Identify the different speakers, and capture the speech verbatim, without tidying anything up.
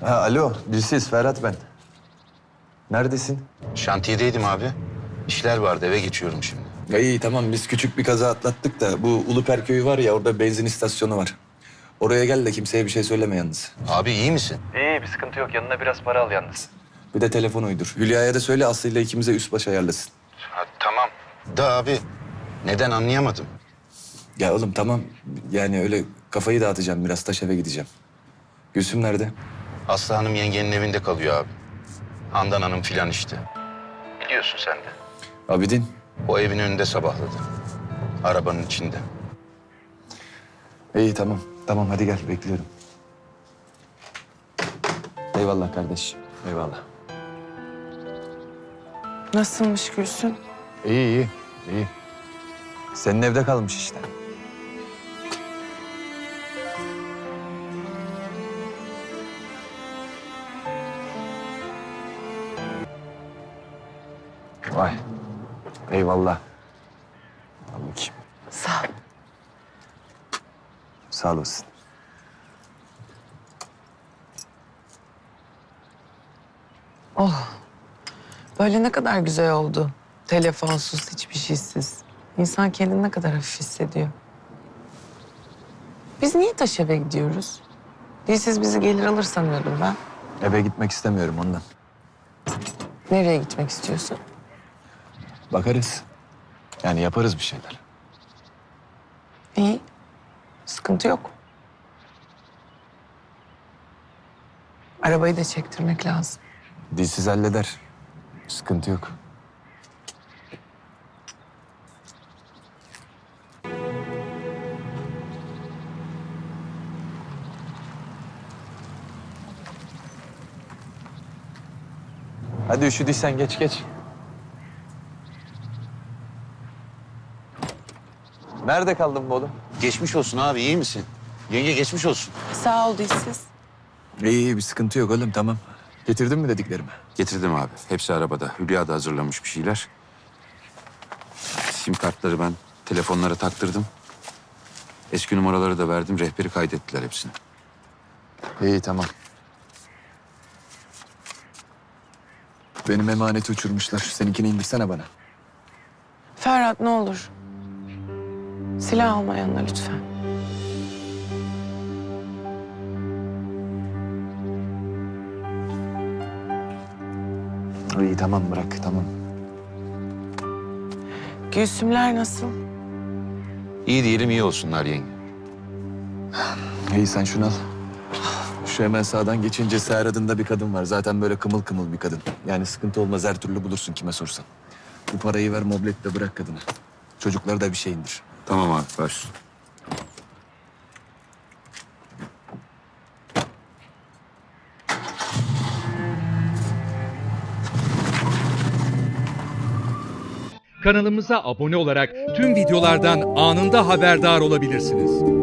Speaker 1: Ha, alo, Dilsiz, Ferhat ben. Neredesin?
Speaker 2: Şantiyedeydim abi. İşler vardı, eve geçiyorum şimdi.
Speaker 1: Ya iyi tamam, biz küçük bir kaza atlattık da bu Uluper köyü var ya, orada benzin istasyonu var. Oraya gel de kimseye bir şey söyleme yalnız.
Speaker 2: Abi iyi misin?
Speaker 1: İyi, bir sıkıntı yok. Yanına biraz para al yalnız. Bir de telefon uydur. Hülya'ya da söyle, Aslı'yla ikimize üst baş ayarlasın.
Speaker 2: Ha, tamam. Da abi, neden anlayamadım.
Speaker 1: Ya oğlum tamam, yani öyle kafayı dağıtacağım biraz, taş eve gideceğim. Gülsüm nerede?
Speaker 2: Aslı Hanım yengenin evinde kalıyor abi. Handan Hanım filan işte. Biliyorsun sen de.
Speaker 1: Abidin.
Speaker 2: O evin önünde sabahladı. Arabanın içinde.
Speaker 1: İyi tamam, tamam hadi gel, bekliyorum. Eyvallah kardeş, eyvallah.
Speaker 3: Nasılmış Gülsün?
Speaker 1: İyi, iyi, iyi. Senin evde kalmış işte. Vay, eyvallah. Al bakayım.
Speaker 3: Sağ ol.
Speaker 1: Sağ olasın.
Speaker 3: Oh, böyle ne kadar güzel oldu. Telefonsuz, hiçbir şeysiz. İnsan kendini ne kadar hafif hissediyor. Biz niye taş eve gidiyoruz? Dilsiz bizi gelir alır sanıyordum ben.
Speaker 1: Eve gitmek istemiyorum ondan.
Speaker 3: Nereye gitmek istiyorsun?
Speaker 1: Bakarız. Yani yaparız bir şeyler.
Speaker 3: İyi, sıkıntı yok. Arabayı da çektirmek lazım.
Speaker 1: Dilsiz halleder. Sıkıntı yok. Hadi üşüdüysen geç geç. Nerede kaldın bu oğlum?
Speaker 2: Geçmiş olsun abi, iyi misin? Yenge geçmiş olsun.
Speaker 3: Sağ ol Dilsiz.
Speaker 1: İyi iyi, bir sıkıntı yok oğlum, tamam. Getirdin mi dediklerimi?
Speaker 2: Getirdim abi. Hepsi arabada. Hülya da hazırlamış bir şeyler. Sim kartları ben telefonlara taktırdım. Eski numaraları da verdim. Rehberi kaydettiler hepsini.
Speaker 1: İyi tamam. Benim emaneti uçurmuşlar. Seninkini indirsene bana.
Speaker 3: Ferhat ne olur. Silah alma yanına lütfen.
Speaker 1: İyi tamam, bırak tamam.
Speaker 3: Gülsümler nasıl?
Speaker 2: İyi diyelim, iyi olsunlar yenge.
Speaker 1: İyi sen şunu al. Şu hemen sağdan geçince Seher adında bir kadın var. Zaten böyle kımıl kımıl bir kadın. Yani sıkıntı olmaz, her türlü bulursun kime sorsan. Bu parayı ver, mobletle bırak kadını. Çocuklara da bir şey indir.
Speaker 2: Tamam abi, baş.
Speaker 4: Kanalımıza abone olarak tüm videolardan anında haberdar olabilirsiniz.